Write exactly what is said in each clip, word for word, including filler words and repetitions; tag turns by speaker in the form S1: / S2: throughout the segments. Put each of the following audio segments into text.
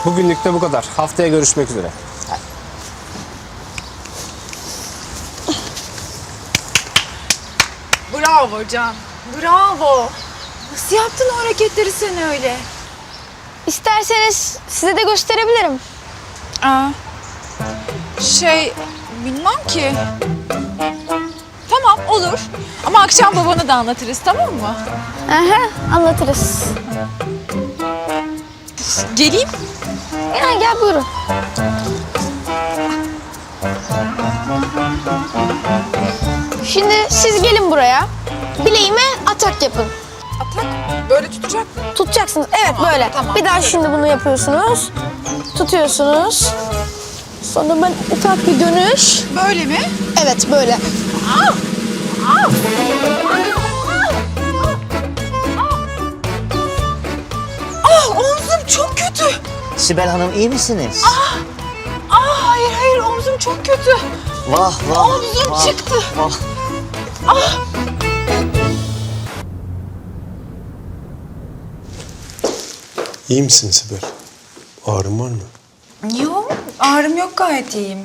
S1: Bugünlük de bu kadar. Haftaya görüşmek üzere.
S2: Bravo Can. Bravo. Nasıl yaptın o hareketleri sen öyle?
S3: İsterseniz size de gösterebilirim.
S2: Aa, şey bilmem ki. Tamam olur. Ama akşam babana da anlatırız, tamam mı?
S3: Aha, anlatırız.
S2: Geleyim.
S3: Yani gel buyurun. Şimdi siz gelin buraya. Bileğime atak yapın.
S2: Atak böyle tutacak mı?
S3: Tutacaksınız. Evet
S2: Tamam,
S3: böyle.
S2: tamam.
S3: Bir daha şimdi bunu yapıyorsunuz. Tutuyorsunuz. Sonra ben ufak bir dönüş.
S2: Böyle mi?
S3: Evet böyle.
S2: Ah omzum çok kötü.
S4: Sibel Hanım iyi misiniz?
S2: Ah hayır hayır omzum çok kötü.
S4: Vah vah.
S2: Omzum
S4: vah,
S2: çıktı.
S4: Vah.
S5: İyi misin Sibel? Ağrın var mı?
S2: Yok ağrım yok, gayet iyiyim.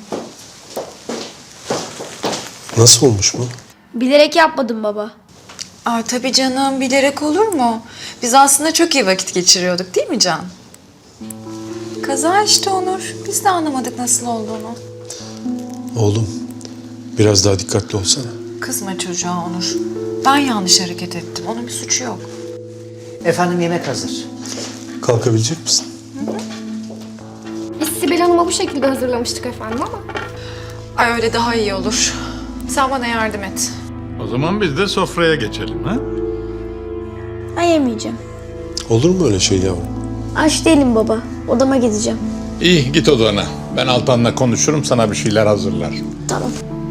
S5: Nasıl olmuş bu?
S3: Bilerek yapmadım baba.
S2: Aa, tabii canım, bilerek olur mu? Biz aslında çok iyi vakit geçiriyorduk değil mi Can? Kaza işte Onur. Biz de anlamadık nasıl olduğunu.
S5: Oğlum, biraz daha dikkatli olsana.
S2: Kızma çocuğa Onur. Ben yanlış hareket ettim. Onun bir suçu yok.
S4: Efendim yemek hazır.
S5: Kalkabilecek misin?
S6: Biz Sibel Hanım'a bu şekilde hazırlamıştık efendim ama.
S2: Ay öyle daha iyi olur. Sen bana yardım et.
S7: O zaman biz de sofraya geçelim ha?
S3: Ben yemeyeceğim.
S5: Olur mu öyle şey yavrum?
S3: Aç değilim baba. Odama gideceğim.
S7: İyi git odana. Ben Altan'la konuşurum, sana bir şeyler hazırlar.
S3: Tamam.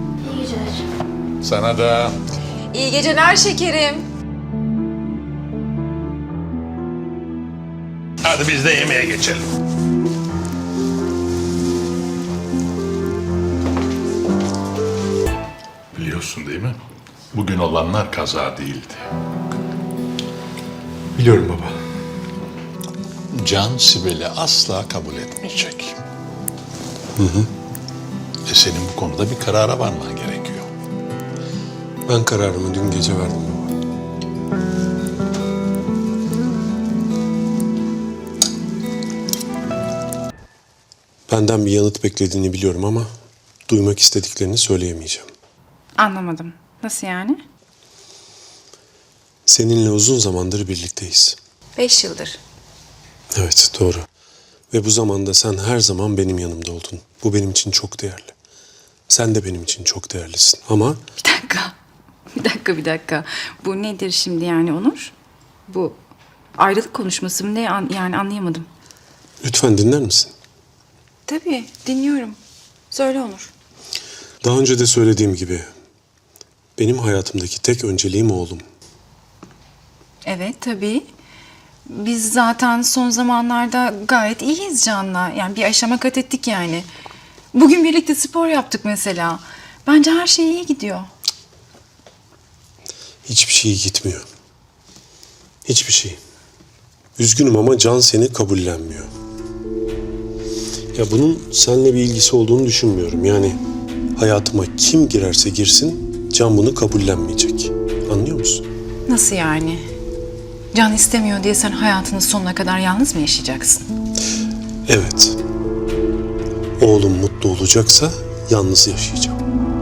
S7: Sana da.
S2: İyi geceler şekerim.
S7: Hadi biz de yemeğe geçelim. Biliyorsun değil mi? Bugün olanlar kaza değildi.
S5: Biliyorum baba.
S7: Can Sibel'i asla kabul etmeyecek. Hı hı. E senin bu konuda bir karara varman gerekiyor.
S5: Ben kararımı dün gece verdim baba. Benden bir yanıt beklediğini biliyorum ama duymak istediklerini söyleyemeyeceğim.
S8: Anlamadım. Nasıl yani?
S5: Seninle uzun zamandır birlikteyiz.
S2: Beş yıldır.
S5: Evet, doğru. Ve bu zamanda sen her zaman benim yanımda oldun. Bu benim için çok değerli. Sen de benim için çok değerlisin. Ama
S8: Bir dakika. Bir dakika, bir dakika. Bu nedir şimdi yani Onur? Bu ayrılık konuşması mı ne? An- yani anlayamadım.
S5: lütfen dinler misin?
S2: Tabii dinliyorum. Söyle Onur.
S5: Daha önce de söylediğim gibi benim hayatımdaki tek önceliğim oğlum.
S8: Evet, tabii. Biz zaten son zamanlarda gayet iyiyiz Can'la. Yani bir aşama kat ettik yani. Bugün birlikte spor yaptık mesela. Bence her şey iyi gidiyor.
S5: Hiçbir şey gitmiyor. Hiçbir şey. Üzgünüm ama Can seni kabullenmiyor. Ya bunun seninle bir ilgisi olduğunu düşünmüyorum. Yani hayatıma kim girerse girsin Can bunu kabullenmeyecek. Anlıyor musun?
S8: Nasıl yani? Can istemiyor diye sen hayatının sonuna kadar yalnız mı yaşayacaksın?
S5: Evet. Oğlum mutlu olacaksa yalnız yaşayacağım.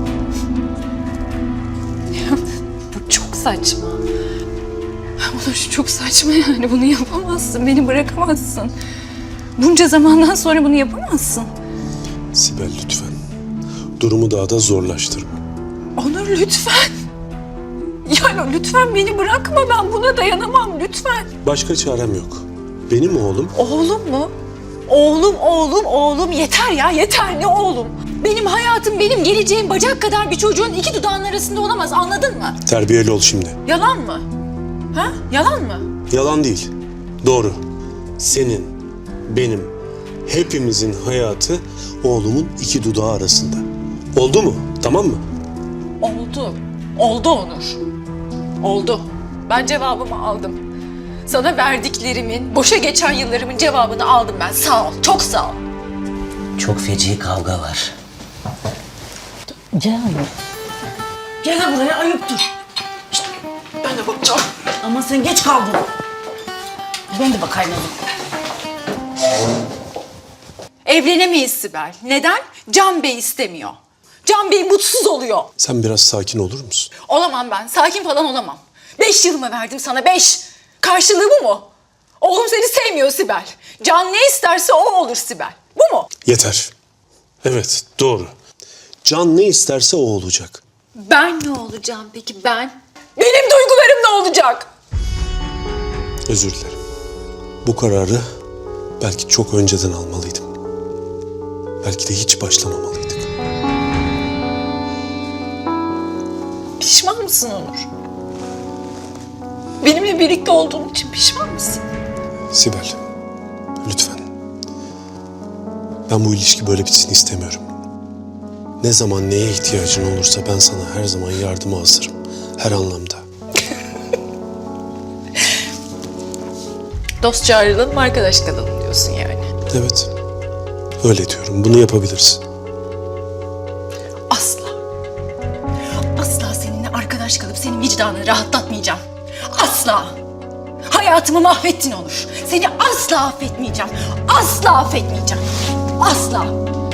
S8: Bu çok saçma. Onur çok saçma yani. Bunu yapamazsın. Beni bırakamazsın. Bunca zamandan sonra bunu yapamazsın.
S5: Sibel lütfen. Durumu daha da zorlaştırma.
S8: Onur lütfen. Yani lütfen beni bırakma. Ben buna dayanamam lütfen.
S5: Başka çarem yok. Benim oğlum
S2: Oğlum mu? Oğlum, oğlum, oğlum. Yeter ya, yeter. Ne oğlum? Benim hayatım, benim geleceğim bacak kadar bir çocuğun iki dudağının arasında olamaz. Anladın mı?
S5: terbiyeli ol şimdi.
S2: Yalan mı? Ha? Yalan mı?
S5: Yalan değil. Doğru. Senin, benim, hepimizin hayatı oğlumun iki dudağı arasında. Oldu mu? Tamam mı?
S2: Oldu. Oldu Onur. Oldu. Ben cevabımı aldım. Sana verdiklerimin, boşa geçen yıllarımın cevabını aldım ben. Sağ ol, çok sağ ol.
S4: Çok feci kavga var.
S9: Gel. Gel buraya, ayıptır.
S2: Ben de bakacağım.
S9: Ama sen geç kaldın. Ben de bakayım hadi.
S2: Evlenemeyiz Sibel. Neden? Can Bey istemiyor. Can Bey mutsuz oluyor.
S5: Sen biraz sakin olur musun?
S2: Olamam ben. Sakin falan olamam. Beş yılımı verdim sana. Beş. Karşılığı bu mu? Oğlum seni sevmiyor Sibel. Can ne isterse o olur Sibel. Bu mu?
S5: Yeter. Evet, doğru. Can ne isterse o olacak.
S2: Ben ne olacağım peki ben? Benim duygularım ne olacak?
S5: Özür dilerim. Bu kararı belki çok önceden almalıydım. Belki de hiç başlamamalıydık.
S2: Pişman mısın Onur? Benimle birlikte olduğun için pişman mısın?
S5: Sibel, lütfen. Ben bu ilişki böyle bitsin istemiyorum. Ne zaman neye ihtiyacın olursa ben sana her zaman yardıma hazırım. Her anlamda.
S2: Dostça ayrılalım, arkadaş kalalım diyorsun yani.
S5: Evet, öyle diyorum. Bunu yapabilirsin.
S2: Asla. Asla seninle arkadaş kalıp senin vicdanını rahatlatmayacağım. Asla. Hayatımı mahvettin Onur. Seni asla affetmeyeceğim. Asla affetmeyeceğim. Asla.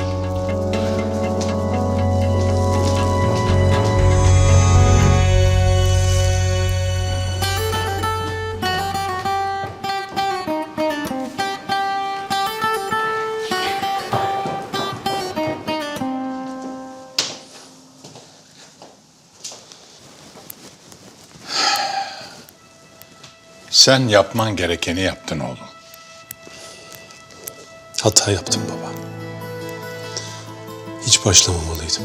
S7: Sen yapman gerekeni yaptın oğlum.
S5: Hata yaptım baba. Hiç başlamamalıydım.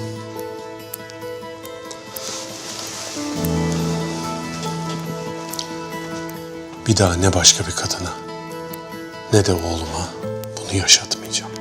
S5: Bir daha ne başka bir kadına ne de oğluma bunu yaşatmayacağım.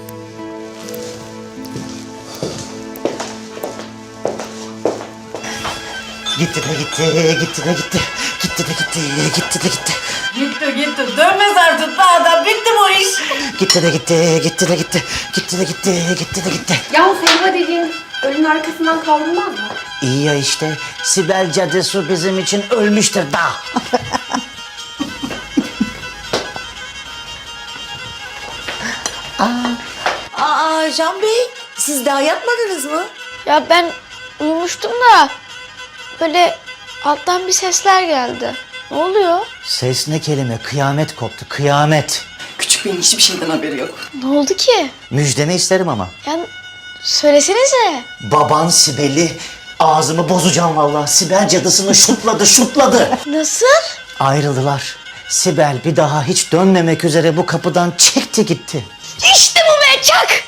S4: Gitti de gitti, gitti de gitti. Gitti de gitti, gitti de gitti.
S9: Gitti gitti. Dönmez artık be adam. Bitti bu iş.
S4: Gitti de gitti, gitti de gitti. Gitti de gitti, gitti de gitti.
S6: Ya Selma dediğin ölünün arkasından kaldırmaz mı?
S4: İyi ya işte. Sibel cadısı bizim için ölmüştür da.
S9: Aa Can Bey, siz daha yatmadınız mı?
S3: Ya ben uyumuştum da böyle alttan bir sesler geldi. Ne oluyor?
S4: Ses ne kelime? Kıyamet koptu, kıyamet.
S9: Küçük Bey'in hiçbir şeyden haberi yok.
S3: Ne oldu ki?
S4: Müjdemi isterim ama.
S3: Yani söylesenize.
S4: Baban Sibel'i ağzımı bozacağım vallahi. Sibel cadısını şutladı, şutladı.
S3: Nasıl?
S4: Ayrıldılar. Sibel bir daha hiç dönmemek üzere bu kapıdan çekti gitti.
S3: İşte bu be, çak!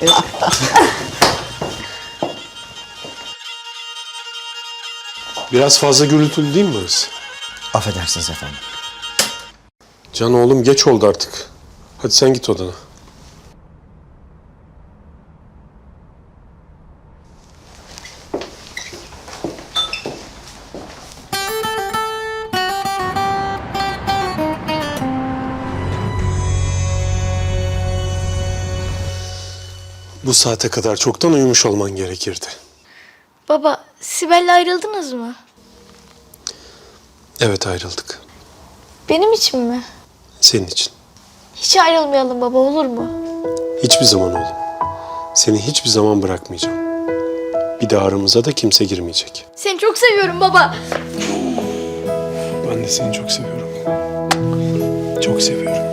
S5: Biraz fazla gürültülü değil mi burası?
S4: Affedersiniz efendim.
S5: Can oğlum geç oldu artık. Hadi sen git odana. Bu saate kadar çoktan uyumuş olman gerekirdi.
S3: Baba, Sibel'le ayrıldınız mı?
S5: Evet, ayrıldık.
S3: Benim için mi?
S5: Senin için.
S3: Hiç ayrılmayalım baba, olur mu?
S5: Hiçbir zaman oğlum. Seni hiçbir zaman bırakmayacağım. Bir de aramıza da kimse girmeyecek.
S3: Seni çok seviyorum baba.
S5: Ben de seni çok seviyorum. Çok seviyorum.